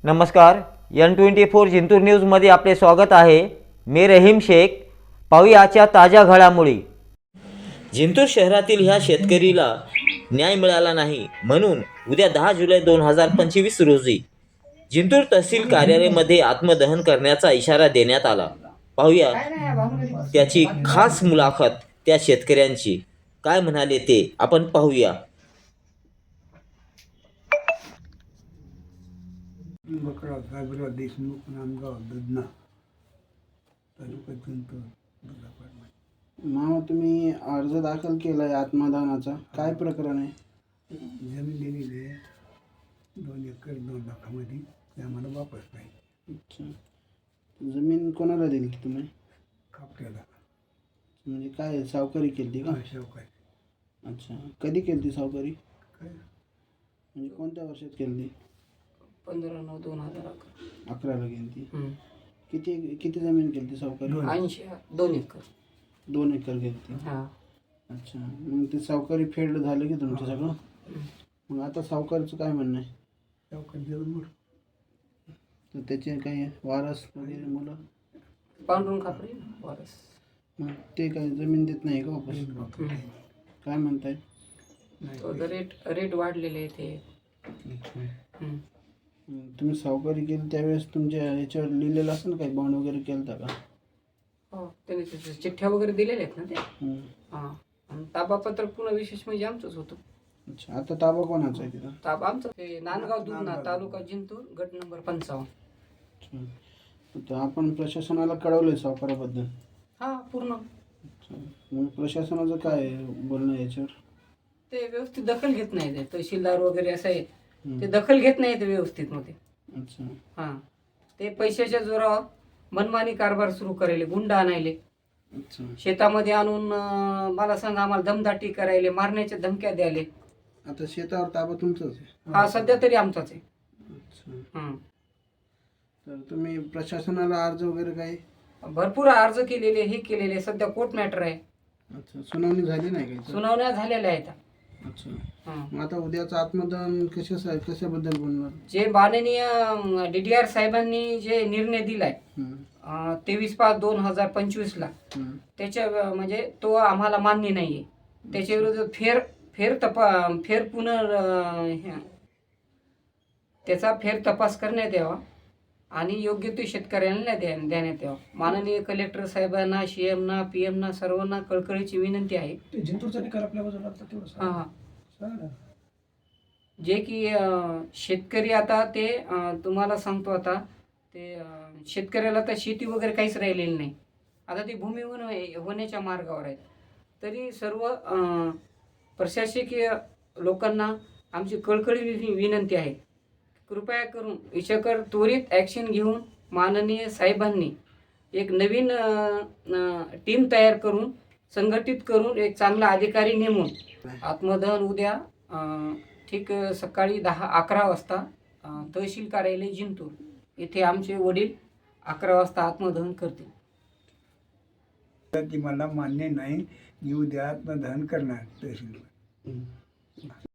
नमस्कार, N24 जिंतूर न्यूजमध्ये आपले स्वागत आहे। मी रहीम शेख। पाहुयाच्या ताज्या घडामोडी। जिंतूर शहरातील ह्या शेतकरीला न्याय मिळाला नाही म्हणून उद्या 10 जुलै 2025 रोजी जिंतूर तहसील कार्यालयामध्ये आत्मदहन करण्याचा इशारा देण्यात आला। पाहुया त्याची खास मुलाखत त्या शेतकऱ्यांची। काय म्हणाले ते आपण पाहूया। बकरा साहेबराव देशमुख नांदगाव दुधना तालुका जिंतूर जिल्हा परभणी। मामा, तुम्ही अर्ज दाखल केला आहे आत्मदानाचा, काय प्रकरण आहे? जमीन दिलेली आहे 2 एकर 2 लाखामध्ये, ते आम्हाला वापस पाहिजे। अच्छा, जमीन कोणाला दिली तुम्ही? कापट्याला म्हणजे काय सावकारी केली का? शावकारी। अच्छा, कधी केली सावकारी? काय म्हणजे कोणत्या वर्षात केली? 15/9/2011 11ला केली. किती जमीन केली सावकारी? 80 2 एकर 2 एकर केली. हा। अच्छा, मग ते सावकारी फेड झालं की तुमचं सगळं? मग आता सावकारीचं काय म्हणणं आहे? शावकारी जरूर तर त्याचे काही वारस वगैरे मुलं? पांडुरंग खापरे वारस। मग ते काही जमीन देत नाही का वापस? काय म्हणताय? तो रेट वाढलेले आहे ते। तुम्ही सावकारी केली त्यावेळेस तुमच्या ह्याच्यावर लिहिलेलं असेल काही बॉन्ड वगैरे केलं का? हो, त्याने त्याच्या चिठ्ठ्या वगैरे दिलेल्या आहेत ना ते। हा, आणि ताबापत्र पुन्हा विशेष म्हणजे आमचंच होतं। अच्छा, आता ताबा कोणाचा आहे तिथं? ताबा आमचं ते नांदगाव दुधना तालुका जिंतूर गट नंबर 55। अच्छा, तर आपण प्रशासनाला कळवलंय सावकाराबद्दल? हा, पूर्ण। अच्छा, मग प्रशासनाचं काय बोलणं आहे याच्यावर? ते व्यवस्थित दखल घेत नाही ते तहसीलदार वगैरे असं आहे, ते दखल घेत नाही ते व्यवस्थित मध्ये। अच्छा, हा, ते पैशाच्या जोरावर मनमानी कारभार सुरू करायले, गुंड आणायले, अच्छा, शेतामध्ये आणून मला सांग आम्हाला दमदाटी करायले, मारण्याच्या धमक्या द्यायले। आता शेतावर ताबा तुमचाच आहे? हा, सध्या तरी आमचाच आहे। अच्छा, तर तुम्ही प्रशासनाला अर्ज वगैरे काही? भरपूर अर्ज केलेले, हे केलेले, सध्या कोर्ट मॅटर आहे। अच्छा, सुनावणी झाली नाही काही? सुनावण्या झालेल्या आहेत। अच्छा, हा, मग आता उद्याचं आत्मदान कशाबद्दल बोलणार? जे माननीय DDR साहेबांनी जे निर्णय दिलाय 23/5/2025 ला, त्याच्या म्हणजे तो आम्हाला मान्य नाहीये। त्याच्या विरुद्ध त्याचा फेर तपास करण्यात यावा आणि योग्य ते शेतकऱ्यांना देण्यात यावा। माननीय कलेक्टर साहेबांना, CM ना, PM ना, सर्वांना कळकळीची विनंती आहे। जिंतूरचा निकाल आपल्या बाजूला आता तेवढं हा, जे की शेतकरी आता ते तुम्हाला सांगतो, आता ते शेतकऱ्याला तर शेती वगैरे काहीच राहिलेली नाही। आता ती भूमिहीन होण्याच्या मार्गावर आहेत। तरी सर्व प्रशासकीय लोकांना आमची कळकळी विनंती आहे, कृपया करून याच्यावर त्वरित ॲक्शन घेऊन माननीय साहेबांनी एक नवीन टीम तयार करून, संघटित करून, एक चांगला अधिकारी नेमून आत्मदहन उद्या ठीक सकाळी 11 वाजता तहसील कार्यालय जिंतूर येथे आमचे वडील 11 वाजता आत्मदहन करतील। ती मला मान्य नाही, मी उद्या आत्मदहन करणार तहसीलवर।